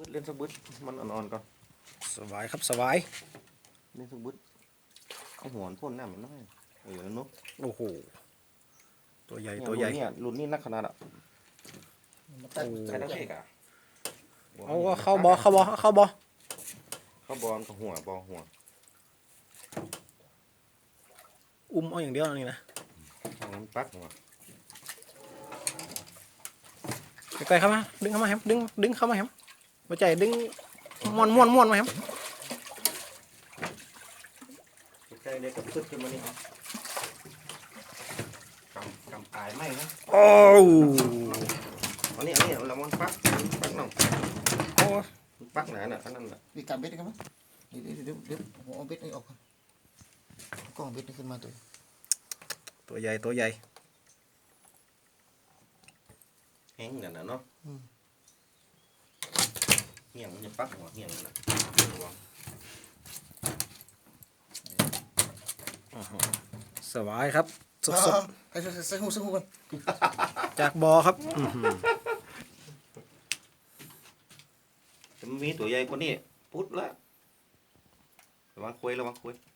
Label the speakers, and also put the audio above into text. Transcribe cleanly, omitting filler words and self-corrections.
Speaker 1: บึดเล่นสักบึดมันอ่อนๆก่อน
Speaker 2: สบายครับสบาย
Speaker 1: เล่นสักบึดเอาหัวพ่นหน้ามันน้อยนุ๊ก
Speaker 2: โอ้โหตัวใหญ่
Speaker 1: เนี่ย
Speaker 2: ตัวใหญ่
Speaker 1: รุ่นนี้นักขนาดอ่ะ
Speaker 2: โอ้
Speaker 1: ใช้ตะเกียบอ่ะ
Speaker 2: เอาเข้าบอเข้าบอเข้าบอ
Speaker 1: เข้าบอลกับหัว
Speaker 2: เอาอย่างเดียวนี่นะ
Speaker 1: มันปักหัว
Speaker 2: ไกลๆเข้ามาดึงเข้ามาแฮมดึงเข้ามาแฮมหัวใจดึงม้วนมาแฮม
Speaker 1: ใกล้ๆเด็กกับขึ้นขึ้นมานี่ครับกำปลายไหมนะ
Speaker 2: โอ้
Speaker 1: อันนี้เรามันปักหน่อง
Speaker 2: โอ้
Speaker 1: ปักหนาน่ะอันนั้นน่ะ
Speaker 3: วิการเบ็ดกันมั้ยเดี๋ยวผมเอาเบ็ดนี่ออกก่อนกล้องเบ็ดนี่ขึ้นมา
Speaker 2: ตัวใหญ่ตัวใหญ่
Speaker 1: แห้งนั่นน่ะเนาะเหี้ยงมันจะปักหัวเหี้ยงน่ะระวัง
Speaker 2: สบายครับสด
Speaker 3: ให้ใส่หูกัน
Speaker 2: ๆจากบอครับ
Speaker 1: จะมีตัวใหญ่กว่านี้ปุ๊ดละระวังคุย